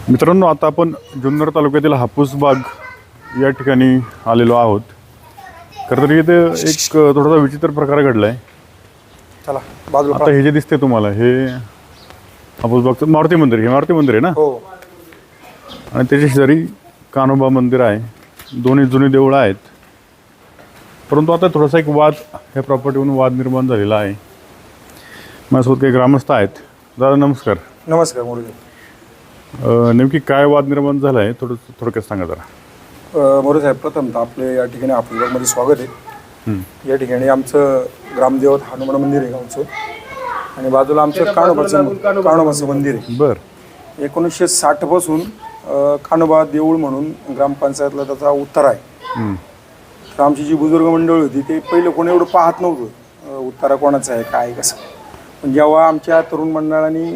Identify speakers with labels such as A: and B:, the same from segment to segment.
A: मित्रांनो, आता आपण जुन्नर तालुक्यातील हापूसबाग या ठिकाणी आलेलो आहोत. खरं तर इथे एक थोडासा विचित्र प्रकार घडला आहे.
B: चला बाजूला
A: आता हे जे दिसते तुम्हाला, हे हापूसबागचं मारुती मंदिर, हे मारुती मंदिर आहे ना.
B: हो.
A: आणि त्याच्या शेजारी कान्होबा मंदिर आहे. दोन्ही जुनी देवळं आहेत. परंतु आता थोडासा एक वाद, ह्या प्रॉपर्टीवरून वाद निर्माण झालेला आहे. माझ्यासोबत काही ग्रामस्थ आहेत. दादा नमस्कार.
B: नमस्कार मोरे.
A: नेमकी काय वाद निर्माण झाला आहे थोडक्यात सांगा जरा.
B: मोरे साहेब, प्रथमतः आपले या ठिकाणी हापूसबागमध्ये स्वागत आहे. या ठिकाणी आमचं ग्रामदेवत हनुमान मंदिर आहे गावचं, आणि बाजूला आमचं कान्होबाचं मंदिर आहे.
A: बरं.
B: 1960 पासून कान्होबा देऊळ म्हणून ग्रामपंचायतला त्याचा उत्तर आहे. तर आमची जी बुजुर्ग मंडळी होती ते पहिलं कोणी एवढं पाहत नव्हतं उत्तरा कोणाचं आहे काय कसं. पण जेव्हा आमच्या तरुण मंडळांनी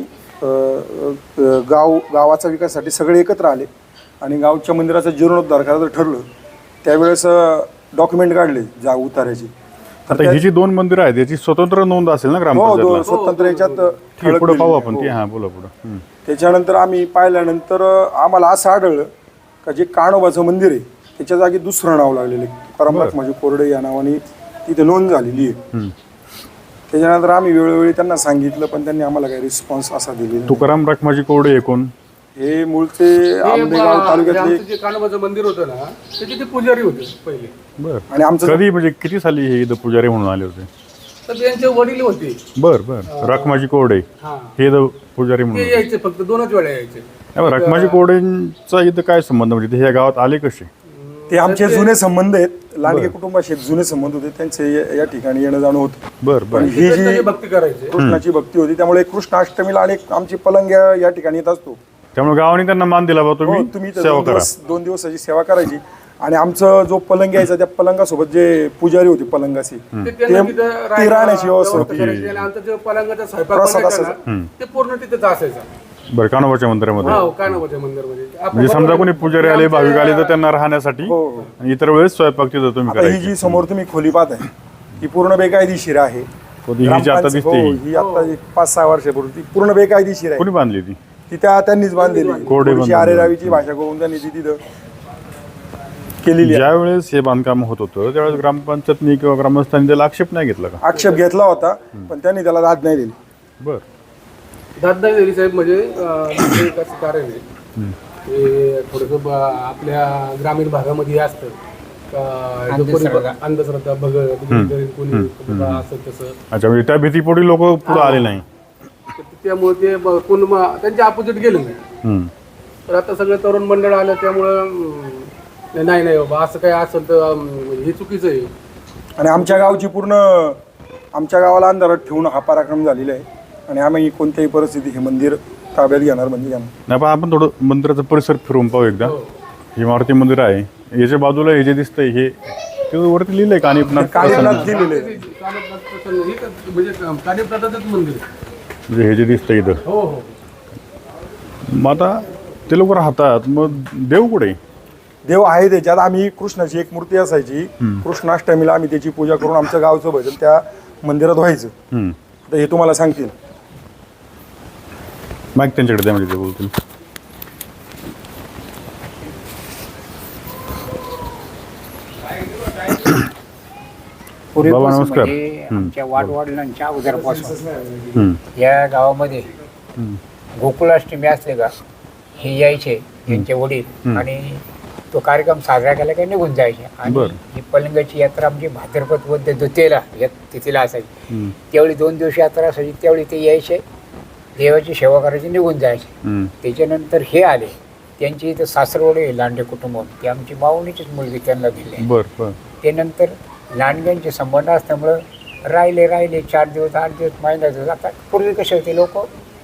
B: गावाचा विकासासाठी सगळे एकत्र आले आणि गावच्या मंदिराचा जीर्णोद्धार करायचं ठरलं, त्यावेळेस डॉक्युमेंट काढले उताराची.
A: आता ही जी दोन मंदिरं आहेत याची स्वतंत्र नोंद असेल ना ग्रामपंचायतला?
B: हो, स्वतंत्र याच्यात
A: पुढे पाहू आपण ती. हां, बोला पुढं.
B: त्याच्यानंतर आम्ही पाहिल्यानंतर आम्हाला असं आढळलं का जे कान्होबाचं मंदिर आहे त्याच्या जागी दुसरं नाव लागलेलं आहे. तुकाराम माझी कोरडे या नावाने तिथे नोंद झालेली आहे. त्याच्यानंतर आम्ही वेळोवेळी त्यांना सांगितलं, पण त्यांनी आम्हाला काही रिस्पॉन्स असा दिलेला.
A: तुकाराम माझी कोरडे एकूण
B: हे मूळचे आंबेगाव तालुक्यातले
C: जे कान्होबाचं मंदिर होतं ना, त्याचे ते पुजारी होते पहिले.
A: बरं.
B: आणि आमचं
A: कधी म्हणजे किती साली हे इथं पुजारी म्हणून आले होते?
C: तर त्यांचे वडील होते.
A: बरं. रखमाजी कोरडे हे इथं पुजारी म्हणून
C: ते यायचे, फक्त 2च वेळा यायचे.
A: रखमाजी कोरडेंचा इथं काय संबंध, म्हणजे ते ह्या गावात आले कसे?
B: ते आमचे जुने संबंध आहेत. लांडगे कुटुंबाशी जुने संबंध होते त्यांचे, या ठिकाणी येणं जाणं होतं.
A: बरं.
B: ही जी
C: भक्ती करायचे,
B: कृष्णाची भक्ती होती, त्यामुळे कृष्णाष्टमीला अनेक आमची पलंग या ठिकाणी येत असतो.
A: त्यामुळे गावाने त्यांना मान दिला बा, तुम्ही सेवा करा.
B: 2 दिवसाची सेवा करायची. आणि आमचं जो पलंग यायचा त्या पलंगासोबत जे पुजारी होते पलंगाशी, ते राहण्याची व्यवस्था होती.
C: आमचा जो पलंगाचा स्वयंपाक ते पूर्ण तिथेच असायचा.
A: बरं. कान्होबाच्या मंदिरामध्ये?
C: हो, कान्होबाच्या मंदिरामध्ये.
A: म्हणजे समजा कोणी पुजारी आले, भाविक आले, तर त्यांना राहण्यासाठी आणि इतर वेळेस स्वयंपाक तिथं तुम्ही
B: ही
A: करायची.
B: जी समोर तुम्ही खोली पाहताय ही पूर्ण बेकायदेशीर आहे.
A: ही जी आता दिसते
B: ही आता 5-6 वर्षापूर्वी ती पूर्ण बेकायदेशीर आहे.
A: कोणी बांधली ती?
B: ती त्यांनीच बांधलेली. थोडीशी आरेरावीची भाषा करून त्यांनी ती तिथं केलेली.
A: ज्या वेळेस हे बांधकाम होत होतं त्यावेळेस ग्रामपंचायतनी किंवा ग्रामस्थांनी त्याला आक्षेप नाही घेतला का?
B: आक्षेप घेतला होता, पण त्यांनी त्याला दाद नाही दिली.
A: बरं.
C: दादागिरी साहेब म्हणजे एक असं कारण आहे ते थोडंसं आपल्या ग्रामीण भागामध्ये असतं का, जो कोणी अंधश्रद्धा कोणी असं तसं.
A: अच्छा, म्हणजे त्या भीतीपोटी लोक पुढे आले नाही.
C: त्यामुळे ते कोण त्यांच्या अपोजिट गेले नाही. तर आता सगळे तरुण मंडळ आलं, त्यामुळं नाही बाबा असं काय असेल तर हे चुकीचं आहे.
B: आणि आमच्या गावाला अंधारात ठेवून हा पराक्रम झालेला आहे. आणि आम्ही कोणत्याही परिस्थिती हे मंदिर ताब्यात घेणार म्हणजे घेणार
A: नाही. पण आपण थोडं मंदिराचा परिसर फिरवून पाहू एकदा. हे मारुती मंदिर आहे, याच्या बाजूला हे जे दिसतंय हे वरती लिहिलंय
B: कानिपनाथ दिलेले.
C: म्हणजे कानिपनाथाचंच मंदिर
A: म्हणजे हे जे दिसतंय इथं.
C: हो.
A: मग आता ते लोक राहतात, मग देव कुठे?
B: देव आहे त्याच्यात. आम्ही कृष्णाची एक मूर्ती असायची, कृष्णाष्टमीला आम्ही त्याची पूजा करून आमचं गावचं भजन त्या मंदिरात व्हायचं. तर हे तुम्हाला सांगतील.
A: माईक त्यांच्याकडे द्या, म्हणजे ते बोलतील. बाबा नमस्कार.
D: आमच्या वाडवडिलांच्या अगोदरपासून या गावामध्ये गोकुळाष्टमी असले का हे यायचे यांचे वडील, आणि तो कार्यक्रम साजरा केला की निघून जायचे. आणि ही पलंगाची यात्रा आमची भाद्रपद वद्य द्वितीयेला तिथीला असायची. त्यावेळी 2 दिवस यात्रा असायची. त्यावेळी ते यायचे, देवाची सेवा करायची, निघून जायचे. त्याच्यानंतर हे आले, त्यांची इथं सासरवडे लांडे कुटुंब, ती आमची मावणीचीच मुलगी त्यांना दिली. ते नंतर लांडग्यांचे संबंध असल्यामुळं राहिले 4 दिवस 8 दिवस महिना दिवस. आता पूर्वी कसे होते लोक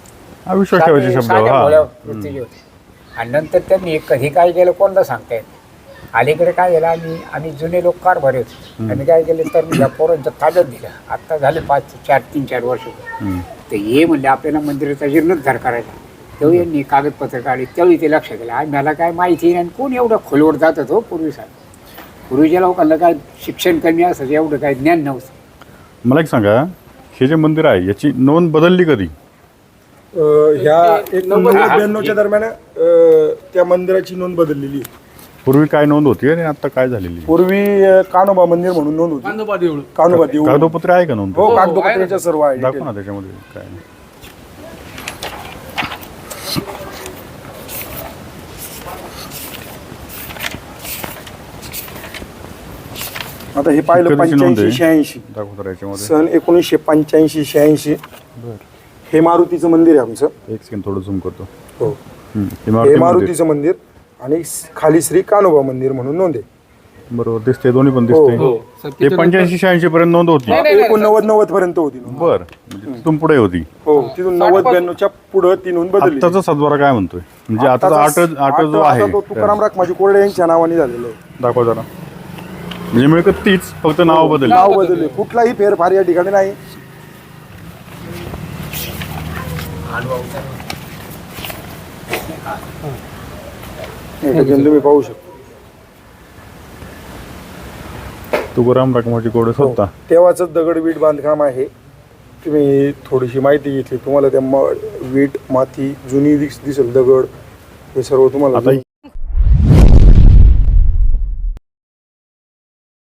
D: वृत्तीचे होते. आणि नंतर त्यांनी कधी काय केलं कोणाला सांगता येत. अलीकडे काय झालं, आम्ही जुने लोक कारभारी होते. आम्ही काय केलं तर या पोरांचं ताब्यात दिलं. आत्ता झाले 3-4 वर्ष. तर हे म्हणले आपल्याला मंदिराचा जीर्णोद्धार करायचा. तेव्हा यांनी कागदपत्र काढली. त्यावेळी ते लक्षात केलं. आज मला काय माहिती नाही, कोण एवढं खोलवर जात होतो पूर्वीच्या लोकांना काय शिक्षण कमी असायचं, एवढं काय ज्ञान नव्हतं.
A: मला एक सांगा, हे जे मंदिर आहे याची नोंद बदलली कधी?
B: ह्या 1992 दरम्यान त्या मंदिराची नोंद बदललेली आहे.
A: पूर्वी काय नोंद होती आणि आता काय झालेली
B: पूर्वी कानोबा मंदिर म्हणून नोंद होती.
C: कांदोबा देऊळ.
B: कानोबा देऊळ.
A: कागदोपत्री आहे का नोंद
B: हो, कागदोपत्र्याच्या सर्व आहे.
A: दाखव ना त्याच्यामध्ये काय
B: आता हे पाहिलं
A: कधीची नोंद आहे?
B: 85-86
A: दाखव तर याच्यामध्ये
B: सन 1985-86
A: बरं
B: हे मारुतीचं मंदिर आहे आमचं.
A: एक सेकंड थोडं झूम करतो
B: हो,
A: हे
B: हे
A: मारुती मंदिर.
B: मारुतीचं मंदिर आणि खाली श्री कानोबा मंदिर म्हणून नोंद आहे.
A: बरोबर दिसते दोन्ही पण
B: हो,
A: दिसते
B: हो.
A: ते 85-86 पर्यंत नोंद होती
B: 89-90 पर्यंत होती नोंद.
A: बर म्हणजे तिथून पुढे होती.
B: हो, तिथून 90-92च्या पुढे ती नोंद बदलली.
A: आत्ताचा सातबारा काय म्हणतोय म्हणजे आताचा आठ जो आहे
B: आता तो तुकाराम राखमाजी कोरडे यांच्या नावाने झालेला आहे.
A: दाखवा जरा म्हणजे मिळकत तीच फक्त नाव बदल
B: नाव बदलले, कुठलाही फेरफार या ठिकाणी नाही. हे ठिकाणी तुम्ही पाहू शकता.
A: तुकाराम रकमाची कोड स्वतः
B: तेव्हाच दगडवीट बांधकाम आहे. तुम्ही थोडीशी माहिती घेतली तुम्हाला त्या वीट माती जुनी दिसेल, दगड हे सर्व तुम्हाला
A: आता